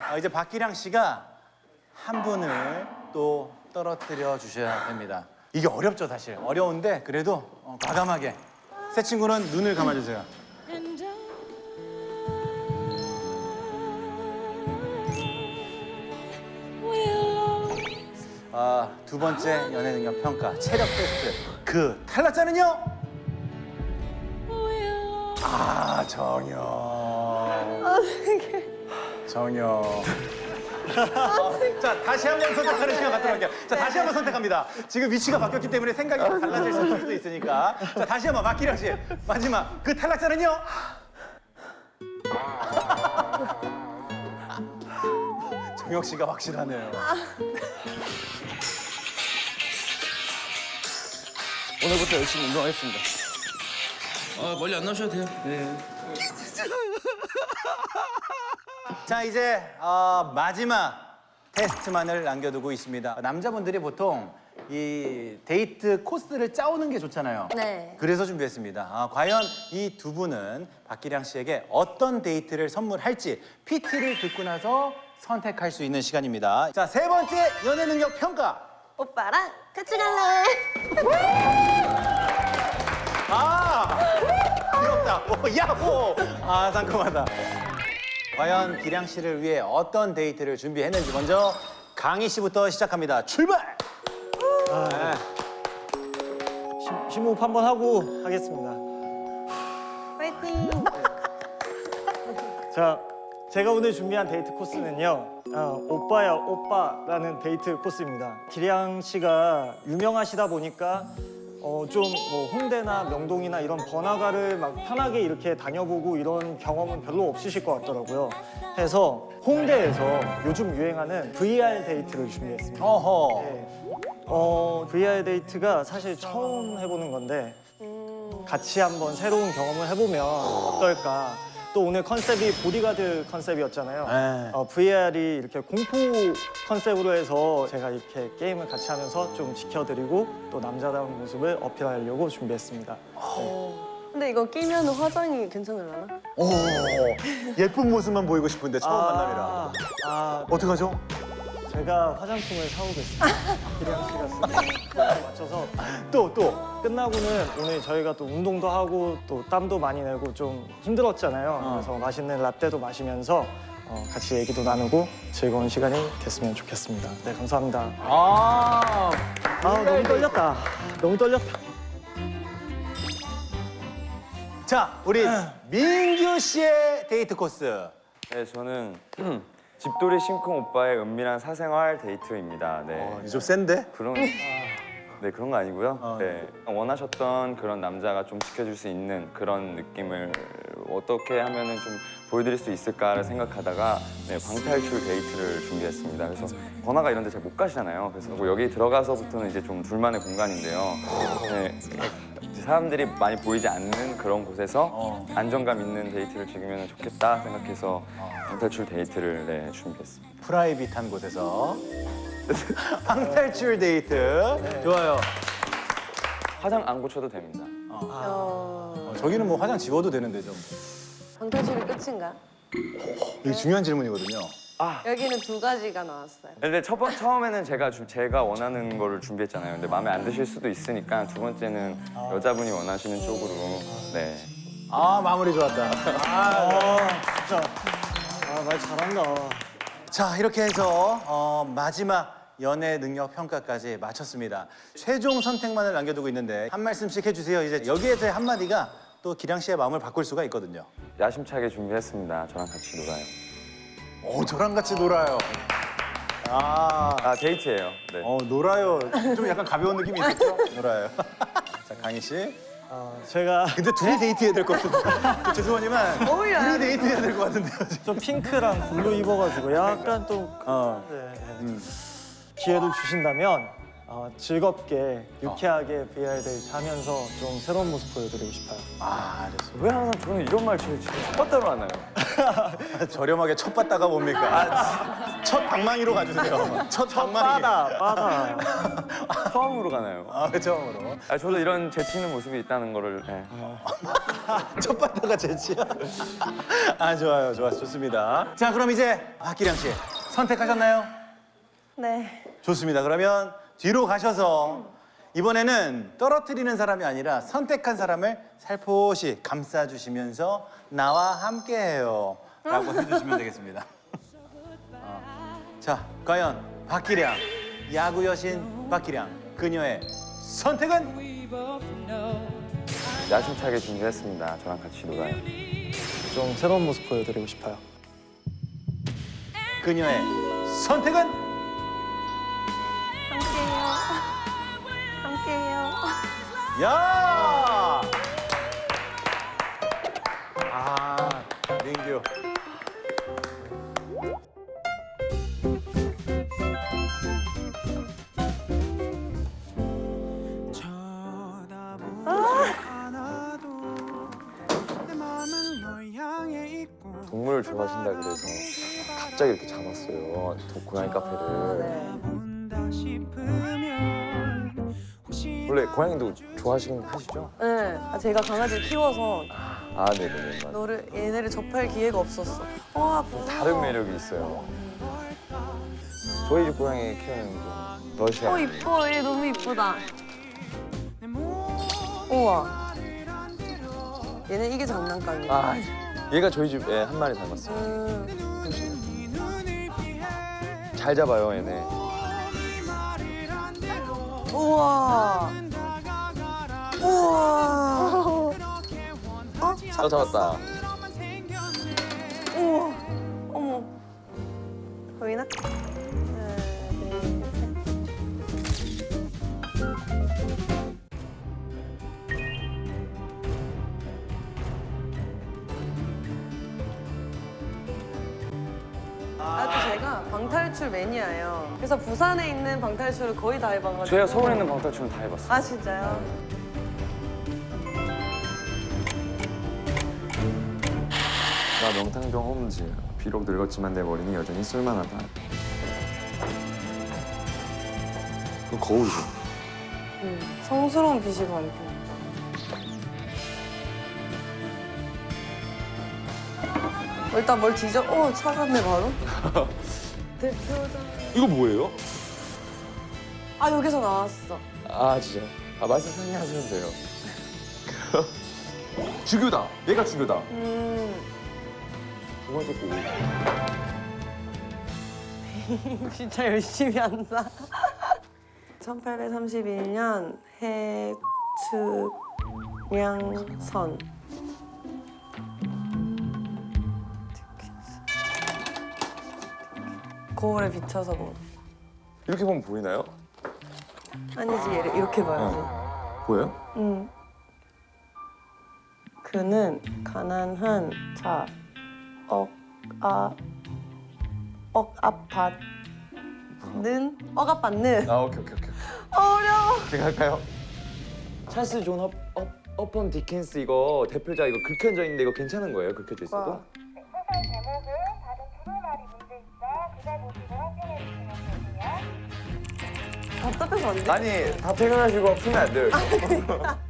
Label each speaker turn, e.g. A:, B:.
A: 이제 박기량 씨가 한 분을 또 떨어뜨려 주셔야 됩니다. 이게 어렵죠, 사실. 어려운데 그래도 과감하게. 새 친구는 눈을 감아주세요. 두 번째 연애 능력 평가, 체력 테스트. 그 탈락자는요? 정영. 정영. 자, 다시 한 번 선택하는 시간 갖도록 할게요. 자, 다시 한 번 선택합니다. 지금 위치가 바뀌었기 때문에 생각이 달라질 수도 있으니까. 자, 다시 한 번 박기량 씨. 마지막 그 탈락자는요? 정영 씨가 확실하네요. 오늘부터 열심히 운동하겠습니다.
B: 멀리 안 나오셔도 돼요. 네.
A: 자, 이제 마지막 테스트만을 남겨두고 있습니다. 남자분들이 보통 이 데이트 코스를 짜오는 게 좋잖아요.
C: 네.
A: 그래서 준비했습니다. 과연 이 두 분은 박기량 씨에게 어떤 데이트를 선물할지 PT를 듣고 나서 선택할 수 있는 시간입니다. 자, 세 번째 연애 능력 평가.
C: 오빠랑 같이 갈래?
A: 귀엽다. 야호! 상큼하다. 과연 기량 씨를 위해 어떤 데이트를 준비했는지 먼저 강희 씨부터 시작합니다. 출발!
D: 심호흡 한번 하고 하겠습니다.
C: 파이팅!
D: 자, 제가 오늘 준비한 데이트 코스는요. 오빠야 오빠라는 데이트 코스입니다. 기량 씨가 유명하시다 보니까 좀 뭐 홍대나 명동이나 이런 번화가를 막 편하게 이렇게 다녀보고 이런 경험은 별로 없으실 것 같더라고요. 해서 홍대에서 요즘 유행하는 VR 데이트를 준비했습니다.
A: 어허.
D: 네. VR 데이트가 사실 처음 해보는 건데 같이 한번 새로운 경험을 해보면 어떨까. 또 오늘 컨셉이 보디가드 컨셉이었잖아요. VR이 이렇게 공포 컨셉으로 해서 제가 이렇게 게임을 같이 하면서 좀 지켜드리고 또 남자다운 모습을 어필하려고 준비했습니다.
C: 근데 이거 끼면 화장이 괜찮으려나?
A: 예쁜 모습만 보이고 싶은데 처음 만남이라. 어떡하죠?
D: 제가 화장품을 사오겠습니다. 기량 씨가 쓰는 거에 맞춰서
A: 또.
D: 끝나고는 오늘 저희가 또 운동도 하고 또 땀도 많이 내고 좀 힘들었잖아요. 그래서 맛있는 라떼도 마시면서 같이 얘기도 나누고 즐거운 시간이 됐으면 좋겠습니다. 네, 감사합니다. 너무 떨렸다. 너무 떨렸다.
A: 자, 우리 민규 씨의 데이트 코스.
E: 네, 저는 집돌이 심쿵 오빠의 은밀한 사생활 데이트입니다. 네,
A: 좀 센데?
E: 그런 거 아니고요. 네, 원하셨던 그런 남자가 좀 지켜줄 수 있는 그런 느낌을 어떻게 하면은 좀 보여드릴 수 있을까를 생각하다가 방탈출 데이트를 준비했습니다. 그래서 번화가 이런 데 잘 못 가시잖아요. 그래서 뭐 여기 들어가서부터는 이제 좀 둘만의 공간인데요. 네, 사람들이 많이 보이지 않는 그런 곳에서 안정감 있는 데이트를 즐기면 좋겠다 생각해서 방탈출 데이트를 준비했습니다.
A: 프라이빗한 곳에서 방탈출 데이트. 좋아요.
E: 화장 안 고쳐도 됩니다.
A: 저기는 뭐 화장 지워도 되는데 좀.
C: 방탈출이 끝인가?
A: 이게 중요한 질문이거든요.
C: 여기는 두 가지가 나왔어요.
E: 근데 처음에는 제가 원하는 거를 준비했잖아요. 근데 마음에 안 드실 수도 있으니까 두 번째는 여자분이 원하시는 쪽으로. 네.
A: 마무리 좋았다.
D: 진짜 말 잘한다.
A: 자, 이렇게 해서 마지막 연애 능력 평가까지 마쳤습니다. 최종 선택만을 남겨두고 있는데 한 말씀씩 해주세요. 이제 여기에서의 한마디가 또 기량 씨의 마음을 바꿀 수가 있거든요.
E: 야심차게 준비했습니다. 저랑 같이 놀아요.
A: 저랑 같이 놀아요.
E: 데이트예요. 네.
A: 놀아요. 좀 약간 가벼운 느낌이 있었죠? 놀아요. 자, 강희 씨.
D: 제가
A: 근데 둘이 데이트해야 될 것 같은데. 죄송하지만
C: 어울려요.
A: 둘이 데이트해야 될 것 같은데요, 지금.
D: 좀 핑크랑 블루 입어가지고 약간 또 기회를 주신다면 즐겁게 유쾌하게 VR 데이트 하면서 좀 새로운 모습 보여드리고 싶어요.
A: 아, 좋습니다.
E: 왜 항상 저는 이런 말 제일 첫바따로 하나요?
A: 저렴하게 첫 봤다가 뭡니까? 첫 방망이로 가주세요. 첫 방망이.
D: 빠다.
E: 처음으로 가나요?
A: 아, 처음으로.
E: 저도 이런 재치 있는 모습이 있다는 거를 네.
A: 첫 봤다가 재치야. 아, 좋아요. 좋습니다. 자, 그럼 이제 박기량 씨 선택하셨나요?
C: 네.
A: 좋습니다. 그러면 뒤로 가셔서 이번에는 떨어뜨리는 사람이 아니라 선택한 사람을 살포시 감싸주시면서 나와 함께해요 라고 해주시면 되겠습니다. 자, 과연 박기량, 야구 여신 박기량, 그녀의 선택은?
E: 야심차게 준비했습니다. 저랑 같이 놀아요.
D: 좀 새로운 모습 보여드리고 싶어요.
A: 그녀의 선택은?
C: 함께해요.
A: 야! 아, 민규.
E: 동물을 좋아하신다 그래서 갑자기 이렇게 잡았어요. 고양이 카페를. 원래 고양이도 좋아하시긴 하시죠?
C: 네. 제가 강아지를 키워서
E: 아, 네네네. 맞아요.
C: 얘네를 접할 기회가 없었어. 와, 무서워.
E: 다른 매력이 있어요. 저희 집 고양이 키우는 좀 러시아.
C: 이뻐. 얘 너무 이쁘다. 우와. 얘는 이게 장난감이야.
E: 아, 얘가 저희 집에 한 마리 닮았어요. 잘 잡아요, 얘네.
C: 우와. 우와.
E: 잡았다.
C: 우와. 어머. 보이나? 하나, 둘, 셋. 또 제가 방탈출 매니아예요. 그래서 부산에 있는 방탈출을 거의 다 해봐가지고.
E: 제가 서울에 있는 방탈출은 다 해봤어요.
C: 아, 진짜요?
E: 나 명탕정 홈즈. 비록 늙었지만 내 머리는 여전히 쓸만하다. 그 거울이죠.
C: 성스러운 빛이 밝고. 일단 뭘 뒤져? 찾았네 바로. 대표자.
E: 이거 뭐예요?
C: 아, 여기서 나왔어.
E: 아, 진짜. 말씀 편히 하시면 돼요. 주교다. 얘가 주교다. 두 번째 곡.
C: 진짜 열심히 한다. 1831년 해측량선. 거울에 비춰서 뭐.
E: 이렇게 보면 보이나요?
C: 아니지, 얘를 이렇게 봐야지.
E: 보여요?
C: 그는 가난한 자, 억압받는.
E: 아, 오케이.
C: 어려워.
E: 제가 할까요? 찰스 존 어펀 디킨스 이거 대표자 이거 긁혀져 있는데 이거 괜찮은 거예요? 긁혀져 있어도?
C: 와.
F: 소설 제목은 다른 프로말이 문제 있어 그걸 보시고 확인해 주시면 되고요.
C: 답답해서 안 돼?
E: 아니 다 퇴근하시고 풀면 안 돼요. 이거.